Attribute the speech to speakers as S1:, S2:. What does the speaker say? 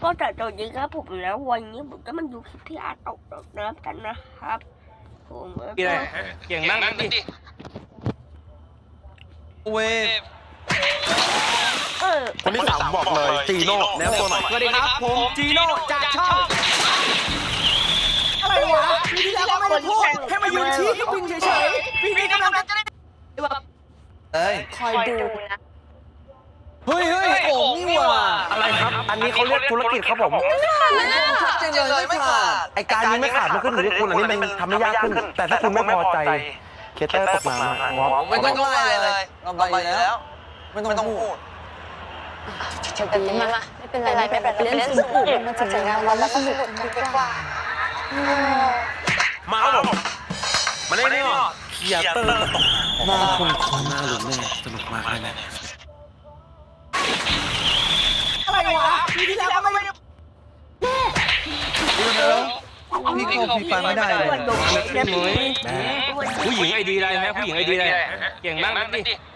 S1: ก็แต่ตอนนี้ครับผมแล้ววันนี้ผมจะมาดูคลิปที่อาร์ตตกน้ำกันนะครับผม
S2: เก่งมากนั่นดิเว
S3: คนที่สามบอกเลยจีโน่แนวตัวหน่อย
S2: สวัสดีครับผมจีโน่จากช่องอะไรวะปีที่แล้วก็ไม่ได้พูดแค่มายืนชี้ก็บินเฉยๆปีนี้กำลังจะได้
S4: คอยดูนะ
S2: เฮ้ยโอ่งนี่ว่ะ
S3: อะไรครับอันนี้เขาเรียกธุรกิจครับผม
S4: ชัดเจนเลยไม่ขาด
S3: ไอการนี้ไม่ขาดมันขึ้นอยู่ที่คุณอันนี้มันทำให้ยากขึ้นแต่ถ้าคุณไม่พอใจเคเตอร์ตกน้ำวอ
S4: ไม่ต้องไล่เลยเราไปแล้วไม่ต้องพูดแต่นี้มาไม่เป็นไรเล่นสนุกมาถึงงานแล้วสนุกกันดีกว่า
S3: มาครับผมมาเล่นนี่หรอเคเตอร์ตกหน้าคุณหน้าหลุดแน่สนุกมากเลย
S2: อะไรวะปีที่แล้วก็ไม่ได้
S4: พี่โคพี่ฟังไม่ได้เลย
S2: ผู้หญิงไอดีอะไรฮะผู้หญิงไอดีอะไรเก่งมากนั่นดิ